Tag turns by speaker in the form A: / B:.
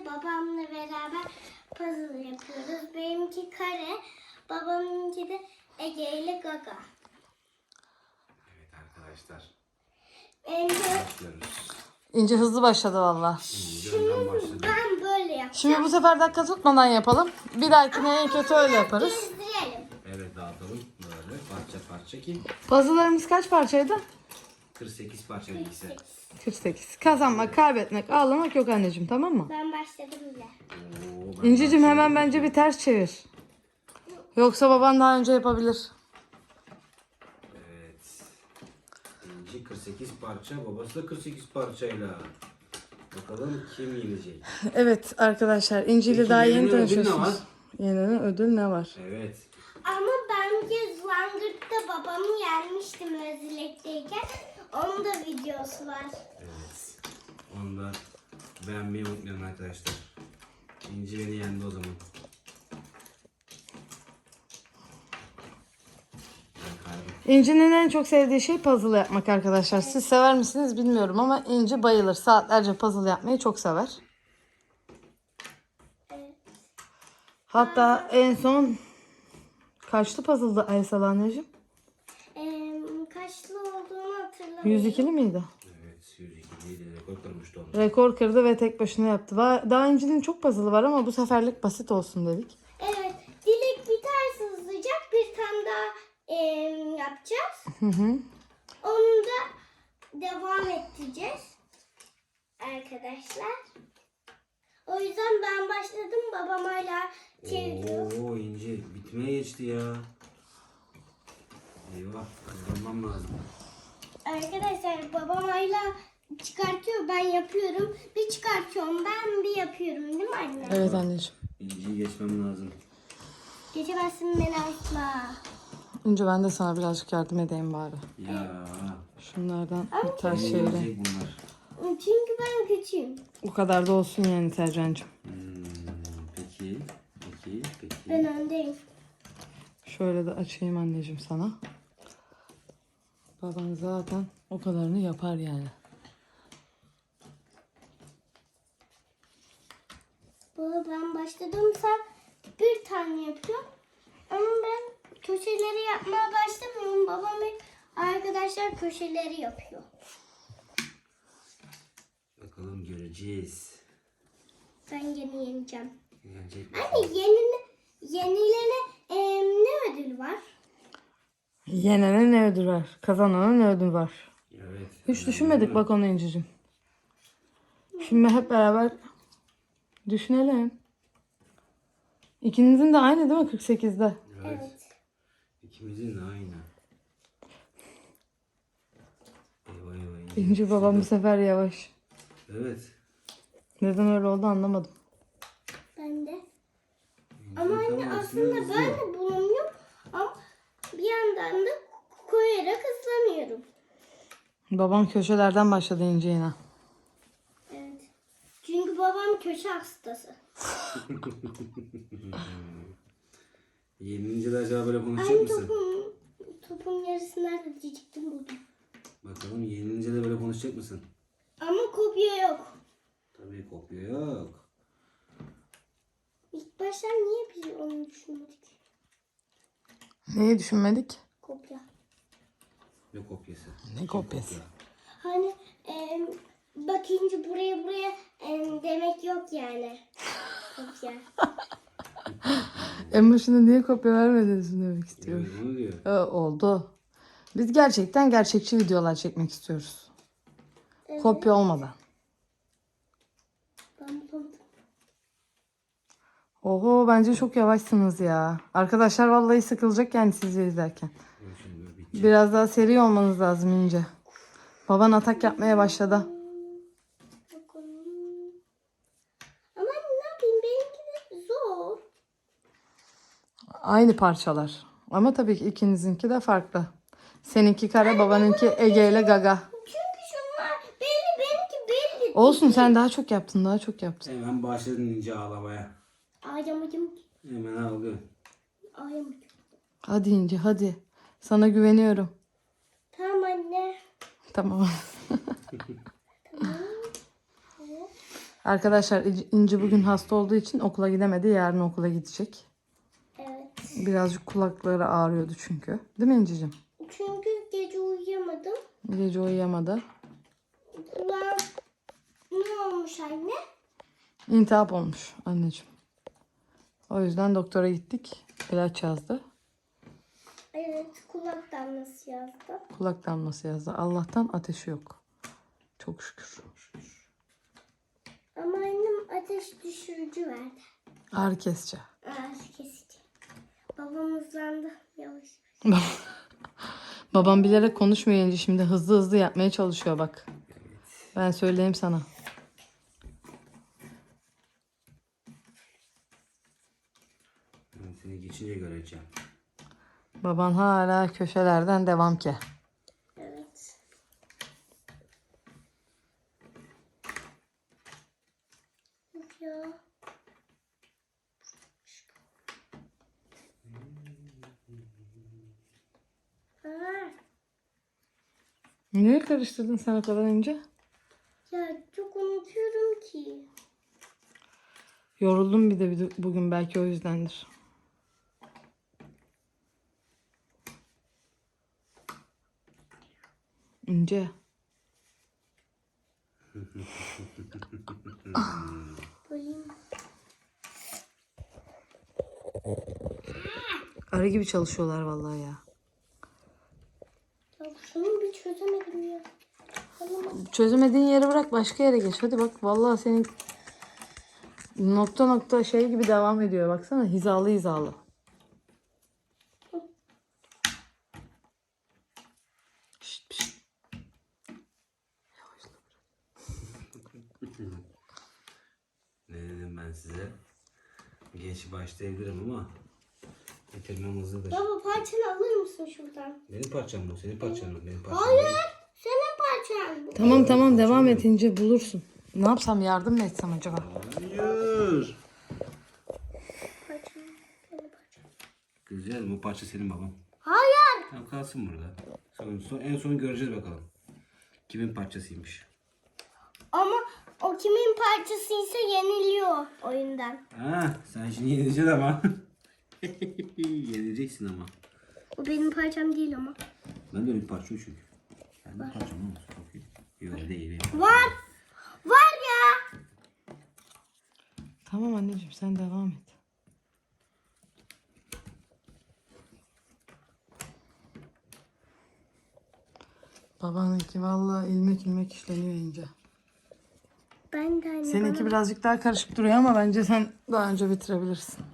A: babamla beraber puzzle yapıyoruz. Benimki kare, babamınki de Ege ile Gaga.
B: Evet arkadaşlar.
A: Başlıyoruz.
C: İnce hızlı başladı valla.
A: Şimdi ben böyle yapacağım.
C: Şimdi bu sefer dakika tutmadan yapalım. Bir dahakine en kötü öyle yaparız.
A: Gezdirelim.
B: Evet dağıtalım böyle parça parça ki
C: Puzzle'larımız kaç parçaydı?
B: 48 parça bilgisi.
C: 48. Kazanmak, kaybetmek, ağlamak yok anneciğim, tamam mı?
A: Ben başladım bile.
C: İncicim hemen bence bir ters çevir. Yoksa baban daha önce yapabilir.
B: Evet. İnci 48 parça, babası da 48 parçayla. Bakalım kim yenecek?
C: Evet arkadaşlar, İnci ile
B: Peki,
C: daha yeni
B: yeni ödül ne
C: tanışıyorsunuz.
B: var?
C: Yeni ödül ne var?
B: Evet.
A: Ama bence Zlangırt'ta babamı yenmiştim Özilek'teyken. Onun da videosu var.
B: Evet. Onu da beğenmeyi unutmayın arkadaşlar. İnci beni yendi o zaman. Ben kaybettim.
C: İnci'nin en çok sevdiği şey puzzle yapmak arkadaşlar. Siz sever misiniz bilmiyorum ama İnci bayılır. Saatlerce puzzle yapmayı çok sever.
A: Evet.
C: Hatta en son kaçlı puzzle'dı Aysel anneciğim?
A: Kaçlı olduğunu hatırlamıyorum.
C: 102'li miydi?
B: Evet, 102 değil, rekor kırmıştı onu.
C: Rekor kırdı ve tek başına yaptı. Daha İnci'nin çok puzzle'ı var ama bu seferlik basit olsun dedik.
A: Evet. Dilek biterse hızlıca bir tane daha yapacağız.
C: Hı hı.
A: Onu da devam ettireceğiz. Arkadaşlar. O yüzden ben başladım. Babam hala çeviriyor.
B: Oo İnci bitmeye geçti ya. Eyvah, kazanmam lazım.
A: Arkadaşlar babam hala çıkartıyor. Ben yapıyorum. Bir çıkartıyorum. Ben bir yapıyorum. Değil mi anne?
C: Evet anneciğim.
B: İnciyi geçmem lazım.
A: Geçemezsin beni asla.
C: İnci ben de sana birazcık yardım edeyim bari.
B: Ya.
C: Şunlardan bir ters
B: Beni
C: çevireyim.
B: yenecek bunlar.
A: Çünkü ben küçüğüm.
C: O kadar da olsun yani Tercan'cığım.
B: Peki. Peki.
A: Ben öndeyim.
C: Şöyle de açayım anneciğim sana. Baban zaten o kadarını yapar yani.
A: Baba ben başladım. Sen bir tane yapıyorsun. Ama ben köşeleri yapmaya başlamıyorum. Babam ve arkadaşlar köşeleri yapıyor.
B: Bakalım göreceğiz.
A: Ben yeni yeneceğim.
B: Yenecek mi?
A: Anne yenilene ne ödül var?
C: Yenene ne ödül var? Kazanana ne ödül var?
B: Evet.
C: Hiç düşünmedik bak onu İnci'cim. Şimdi hep beraber düşünelim. İkinizin de aynı değil mi 48'de?
B: Evet. İkimizin de aynı. Eyvah.
C: İnci babam bu sefer yavaş.
B: Evet.
C: Neden öyle oldu anlamadım.
A: Ben de.
B: İnci
A: Ama
B: tam
A: anne
B: aksine
A: aslında
B: hızlı.
A: ben de bulamıyorum. Ama bir yandan da koyarak hızlanıyorum.
C: Babam köşelerden başladı İnci yine.
A: Evet. Çünkü babam köşe hastası.
B: Yenince de acaba böyle konuşacak
A: Aynı
B: mısın?
A: topun yarısı nerede diyecektim buldum.
B: Bakalım yenince de böyle konuşacak mısın?
A: Ama kopya yok.
B: Tabii kopya yok.
A: İlk başta niye biz onu düşünmedik?
C: Neyi düşünmedik?
A: Kopya.
B: Ne kopyası?
C: Ne kopyası?
A: Hani bakınca buraya demek yok yani. Kopya.
C: En başında niye kopya vermediniz demek istiyorum.
B: Evet onu diyor.
C: Oldu. Biz gerçekten gerçekçi videolar çekmek istiyoruz.
A: Evet.
C: Kopya olmadan.
A: Ben buldum.
C: Oho bence çok yavaşsınız ya. Arkadaşlar vallahi sıkılacak yani sizi izlerken.
B: Şimdi böyle bitecek.
C: Biraz daha seri olmanız lazım İnce. Baban atak yapmaya başladı.
A: Bakalım. Ama ne yapayım benimki de zor.
C: Aynı parçalar. Ama tabii ki ikinizinki de farklı. Seninki kare, babanınki Ege ile Gaga.
A: Çünkü şunlar benimki belli.
C: Olsun sen daha çok yaptın, daha çok yaptın.
B: Hemen başladın İnci ağlamaya.
A: Ağlamadım.
B: Hemen ağlıyor.
A: Ağlamadım.
C: Hadi İnce hadi. Sana güveniyorum.
A: Tamam anne.
C: Tamam.
A: Tamam. Evet.
C: Arkadaşlar İnci bugün hasta olduğu için okula gidemedi. Yarın okula gidecek.
A: Evet.
C: Birazcık kulakları ağrıyordu çünkü. Değil mi İnci'cim?
A: Çünkü gece uyuyamadım.
C: Gece uyuyamadı.
A: Kulağım ne olmuş anne?
C: İltihap olmuş anneciğim. O yüzden doktora gittik. İlaç yazdı.
A: Evet, kulak damlası yazdı.
C: Kulak damlası yazdı. Allah'tan ateşi yok. Çok şükür.
A: Ama annem ateş düşürücü verdi.
C: Ağrı kesici.
A: Ağrı kesici. Babam hızlandı yavaş.
C: Babam bilerek konuşmuyor İnci. Şimdi hızlı hızlı yapmaya çalışıyor bak. Ben söyleyeyim sana.
B: Ben seni geçince göreceğim.
C: Baban hala köşelerden devam ki.
A: Evet. Ya. Aa,
C: Niye karıştırdın sen o kadar önce?
A: ya çok unutuyorum ki.
C: Yoruldum bir de bugün, belki o yüzdendir. İnce.
A: Koyayım.
C: Arı gibi çalışıyorlar vallahi ya.
A: Ya şunu bir çözemedim ya. Tamam.
C: Çözemediğin yeri bırak, başka yere geç. Hadi bak, vallahi senin nokta nokta şey gibi devam ediyor. Baksana, hizalı hizalı. Şşt, şşt.
B: Ne dedim ben size? Geç başlayabilirim ama bitirmem hızlıdır.
A: Baba parçanı alır mısın şuradan?
B: Benim parçam bu, senin parçan mı? Benim parçam
A: Hayır.
B: değil.
A: Senin parçan bu.
C: Tamam tamam, devam et İnce, bulursun. Ne yapsam, yardım mı etsem acaba?
B: Hayır.
A: Parçam. Senin parçan.
B: Güzel, bu parça senin babam.
A: Hayır.
B: Tamam, kalsın burada. En son göreceğiz bakalım. Kimin parçasıymış.
A: Ama o kimin parçasıysa yeniliyor oyundan.
B: Ha, sen şimdi yenileceksin ama. Yenileceksin ama.
A: O benim parçam değil ama.
B: Ben de öyle bir parça o çünkü. Ben de parçam olmaz. Çok iyi. Yok değil.
A: Var. Var ya.
C: Tamam anneciğim, sen devam et. Babanınki vallahi ilmek ilmek işleniyor İnce.
A: Ben de anne.
C: Seninki birazcık daha karışık duruyor ama bence sen daha önce bitirebilirsin.